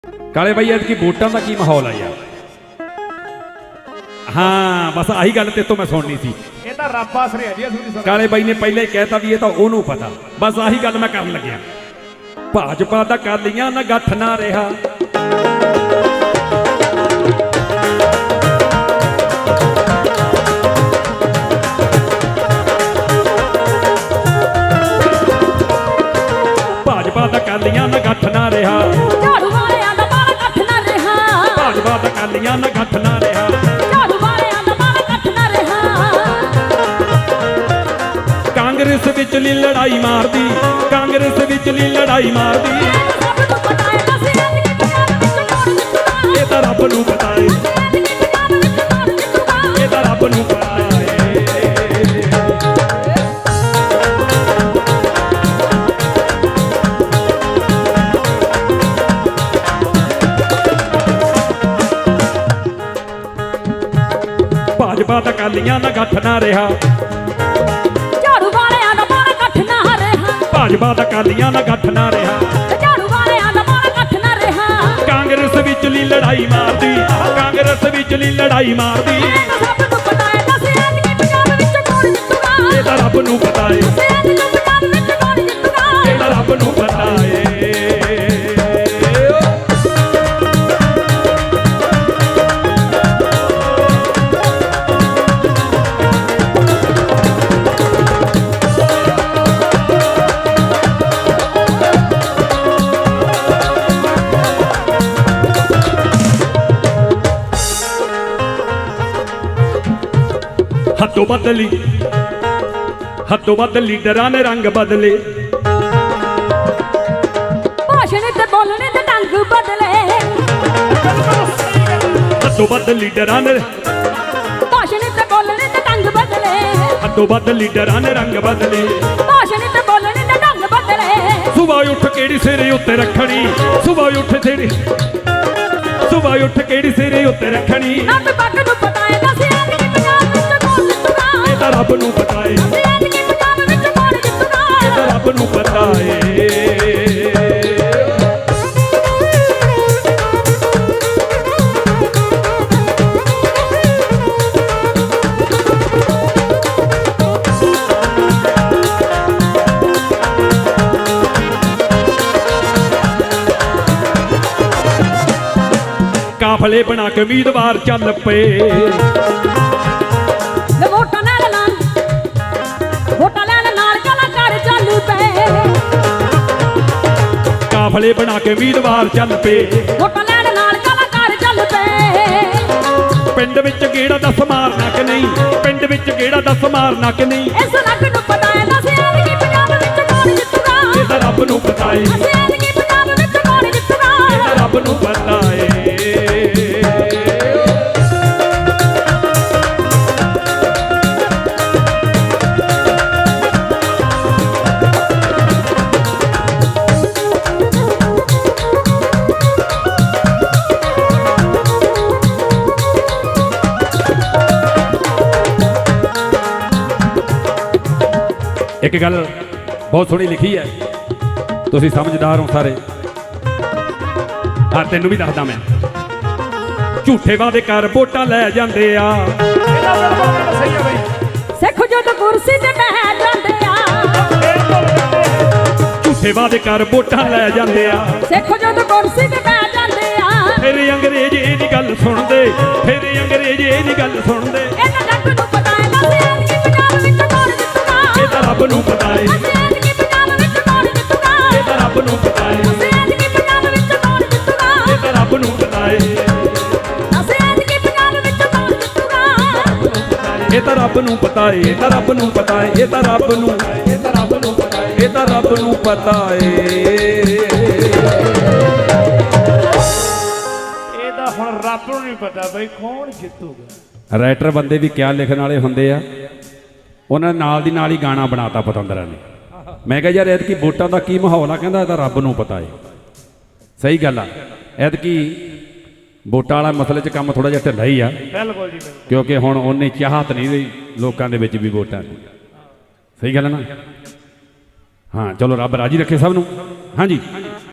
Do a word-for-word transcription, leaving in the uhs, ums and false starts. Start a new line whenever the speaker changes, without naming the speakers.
काले भाई ऐतकी वोटां दा की माहौल है यार? हाँ बस आही गल ते तो मैं सुननी सी।
ये तो रब आसरे है जी।
काले भाई ने पहले ही कहता भी ये तो ओनू पता, बस आही गल मैं कर लग्या। भाजपा दा कर लिया ना गठ ना रहा, भाजपा दा कर लिया ना गठ ना रहा,
झाड़ू वालियां दा बाला कठ ना रहा,
भाजपा दा कर लिया ना गठ ना रहा,
झाड़ू वालियां दा बाला कठ ना रहा।
कांग्रेस विचली लड़ाई मार दी, कांग्रेस विचली लड़ाई मार दी,
सब नूं पता है बस ऐतकी पंजाब विच कौन जितूगा,
ये तो रब नूं पता है,
ऐतकी पंजाब विच कौन जितूगा।
ये तो रब नूं पता है। भाजपा दा कालियां ना गठ ना रहा,
झाड़ू वालियां दा बाला कठ ना रहा,
भाजपा दा कालियां ना गठ ना रहा,
झाड़ू वालियां दा बाला कठ ना रहा।
कांग्रेस विचली लड़ाई मार दी, कांग्रेस विचली लड़ाई मार दी,
सब नूं पता है बस ऐतकी पंजाब विच कौन जितूगा,
ये तो रब नूं पता है,
ऐतकी पंजाब विच कौन जितूगा।
ये तो रब नूं पता है। हदों बदली हदों बद लीडरां ने रंग बदले,
भाषण ते बोलने ते ढंग बदले,
हदों बद लीडरां ने
भाषण ते बोलने ते ढंग बदले,
हदों बद लीडरां ने रंग बदले।
भाषण ते बोलने ते ढंग बदले।
सुबह उठ केड़ी सिरे उत्ते रखनी, सुबह उठ तेरी सुबह उठ केड़ी सिरे उत्ते रखनी,
नट पग नूं पता है बस ऐतकी पंजाब विच कौन जितूगा,
ये तो रब नूं पता है,
ऐतकी पंजाब विच कौन जितूगा।
ये तो रब नूं पता है। काफले बना के उम्मीदवार चल पे,
वे वोटां लैण नाल वोटां लैण नाल कलाकार चल पे,
काफले बना के उम्मीदवार चल पे,
वोटां लैण नाल कलाकार चल पे।
पिंड विच गेड़ा दस मारना कि नहीं, पिंड विच गेड़ा दस मारना कि नहीं,
इस लग नूं पता है बस ऐतकी पंजाब विच कौन जितूगा,
ये तो रब नूं पता है,
बस ऐतकी पंजाब विच कौन जितूगा।
ये तो रब नूं पता है। एक गल बहुत सोहनी लिखी है, तुसीं समझदार हो सारे। हाँ तेनू भी दसदा मैं, झूठे वादे कर वोटां लै जांदे आ,
सही है भाई।
सिख जद कुर्सी ते बैठ जांदे आ,
झूठे वादे कर वोटां लै जांदे आ,
सिख जद कुर्सी ते बैठ जांदे आ।
फिर अंग्रेज इहदी गल सुणदे, फिर अंग्रेज इहदी गल सुणदे,
इन्हां जग नूं पता है बस ऐतकी पंजाब विच कौन जितूगा,
ये तो रब नूं पता है,
बस ऐतकी पंजाब विच कौन जितूगा,
ये तो रब नूं पता है,
बस ऐतकी पंजाब विच कौन जितूगा,
ये तो रब नूं पता है,
बस ऐतकी पंजाब विच कौन जितूगा।
ये तो रब नूं पता है, ये तो रब नूं पता है, ये तो रब नूं ये तो रब नूं पता है, ये तो रब नूं पता है।
ਇਹ ਤਾਂ ਹੁਣ ਰੱਬ ਨੂੰ ਨਹੀਂ ਪਤਾ ਬਈ ਕੌਣ ਜਿੱਤੂਗਾ।
ਰਾਈਟਰ ਬੰਦੇ ਵੀ ਕਿਆ ਲਿਖਣ ਵਾਲੇ ਹੁੰਦੇ ਆ, ਉਹਨਾਂ ਨੇ ਨਾਲ ਦੀ ਨਾਲ ਹੀ ਗਾਣਾ ਬਣਾਤਾ ਪਤੰਦਰਾਂ ਨੇ। ਮੈਂ ਕਿਹਾ ਯਾਰ ਐਤਕੀ ਵੋਟਾਂ ਦਾ ਕੀ ਮਾਹੌਲ ਆ, ਕਹਿੰਦਾ ਇਹ ਤਾਂ ਰੱਬ ਨੂੰ ਪਤਾ ਹੈ। ਸਹੀ ਗੱਲ ਆ, ਐਤਕੀ ਵੋਟਾਂ ਵਾਲਾ ਮਸਲੇ 'ਚ ਕੰਮ ਥੋੜਾ ਜਿਹਾ ਢਿੱਲਾ ਹੀ ਆ,
ਬਿਲਕੁਲ ਜੀ ਬਿਲਕੁਲ।
ਕਿਉਂਕਿ ਹੁਣ ਉਹਨੇ ਚਾਹਤ ਨਹੀਂ ਰਹੀ ਲੋਕਾਂ ਦੇ ਵਿੱਚ ਵੀ ਵੋਟਾਂ ਦੀ। ਸਹੀ ਗੱਲ ਹੈ ਨਾ। हाँ चलो रब राजी रखे सब नूं। हाँ जी।